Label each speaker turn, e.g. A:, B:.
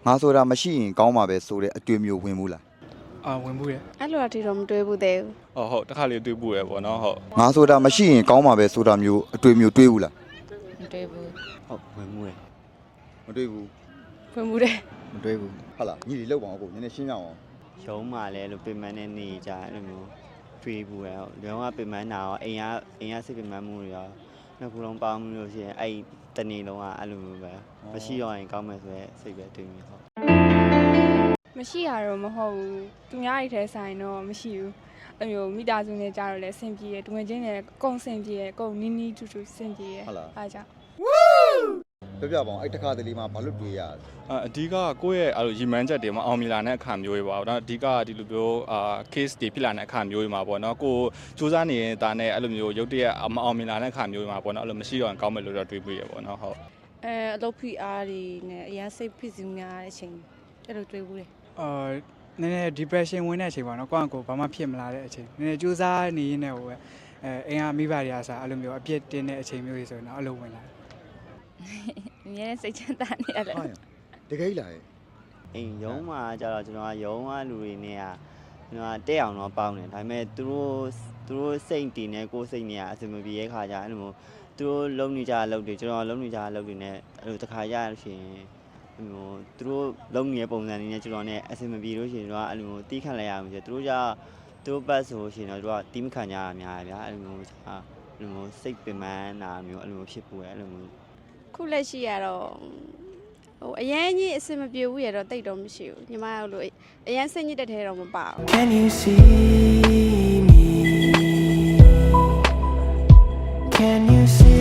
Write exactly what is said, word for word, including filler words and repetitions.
A: ငါဆိုတာမရှိရင်ကောင်းမှာပဲဆိုတဲ့အတွေ့မျိုးဝင်ဘူးလား
B: အာဝင်မှုရ
C: အဲ့လိုအထိတော့မတွေးဘူးသေးဘူး
D: ဟုတ်ဟုတ်တစ်ခါလေးတွေ့ဘူးရပေါ့နော်ဟုတ်
A: ငါဆိုတာမရှိရင်ကောင်းမှာပဲဆိုတာမျိုးအတွေ့မျိုးတွေးဘူးလား
C: မတွေးဘူး
E: ဟုတ်ဝင်မှုရ
A: မတွေးဘူး
C: ဝင်မှုတယ်
A: မတွေးဘူးဟုတ်လားညီလေးလောက်ပါအောင်ကိုနည်းနည်းရှင်းပြအောင်
E: ရုံးမှလည်းလို့ပြင်ပန်းနဲ့နေကြအဲ့လိုမျိုးတွေးဘူးရဟုတ်ရုံးကပြင်ပန်းတာရောအိမ်ကအိမ်ကစိတ်ပြင်ပန်းမှုတွေရောနှစ်ခုလုံးပေါင်းမှုလို့ရှိရင်အဲ့တနေ့လုံးကအဲ့လိုမျိုးပဲမရှိတော့ရင်ကောင်းမယ်ဆိုရဲစိတ်ပဲတွေးမိဟုတ်
F: မရှိရတော့မဟုတ်ဘူးသူများတွေထဲဆိုင်တော့မရှိဘူးအဲ့မျိုးမိသားစုနဲ့ကြတော့လဲဆင်ပြေရတူငယ်ချင်းနဲ့ကုန်းဆင်ပြေရကုန်းနီးနီးထူထူဆင်ပြေရအားကြောင့်
A: ပြောပြပါအောင်အဲ့တစ်ခါတလေမှာဘာလို့တွေးရလဲ
D: အဓိကကိုယ့်ရဲ့အဲ့လိုရီမန်းချက်တွေမှာအောင်မြင်လာတဲ့အခါမျိုးတွေပါတော့အဓိကဒီလိုမျိုးအာ case တွေဖြစ်လာတဲ့အခါမျိုးတွေမှာပေါ့နော်ကိုစူးစမ်းနေတာနဲ့အဲ့လိုမျိုးရုပ်တရက်မအောင်မြင်လာတဲ့အခါမျိုးတွေမှာပေါ့နော်အဲ့လိုမရှိတော့ရင်ကောင်းမယ်လို့တော့တွေးပြီးရပေါ့နော်ဟုတ်
G: အဲအလုပ်ဖိအားတွေနဲ့အရင်စိတ်ဖိစီးများတဲ့အချိန်အဲ့လိုတွေးဘူးလေ
B: အာနည်းနည်း depression ဝင်တဲ့အချိန်ပါနော်ကိုယ့်အကိုဘာမှဖြစ်မလာတဲ့အချိန်နည်းနည်းကြိုးစားနေရင်းနဲ့ဟိုပဲအဲအိမ်ကမိဘတွေအားစားအဲ့လိုမျိုးအပြစ်တင်တဲ့အချိန်မျိုးတွေဆိုရင်တော့အဲ့လိုဝင်လာတယ်
C: အမြဲစိတ်ချမ်းသာနေရတယ်
A: ဟာတကယ်လား
E: အိမ်ရုံးမှာကျတော့ကျွန်တော်ကရုံးကလူတွေနဲ့ကကျွန်တော်ကတက်အောင်တော့ပေါင်းတယ်ဒါပေမဲ့သူတို့သူတို့စိတ်တည်နေကိုယ်စိတ်နေကအစမပြေရဲ့ခါကြအဲ့လိုမျိုးသူတို့လုံးနေကြအလုပ်တွေကျွန်တော်လုံးနေကြအလုပ်တွေနဲ့အဲ့လိုတစ်ခါရရလို့ရှိရင်ဟိုသူတို့လုံးနေတဲ့ပုံစံတွေနဲ့ကျွန်တော်နဲ့အစမပြေလို့ရှိရင်တော့အဲ့လိုမျိုးတီးခတ်လိုက်ရမှာဆိုသူတို့ကြသူတို့ပတ်ဆိုရှင်တော့သူကတီးမခံကြရအများကြီးဗျာအဲ့လိုမျိုးအဲ့လိုမျိုးစိတ်ပင်ပန်းတာမျိုးအဲ့လိုမျိုးဖြစ်ပူရအဲ့လိုမျိုး
C: ခုလက်ရှိရတော့ဟိုအရင်ကြီးအစင်မပြေဘူးရတော့တိတ်တော့မရှိဘူးညီမတို့လိုအရင်စိတ်ညစ်တဲ့ထဲတော့မပါဘူး
H: Can you see me? Can you see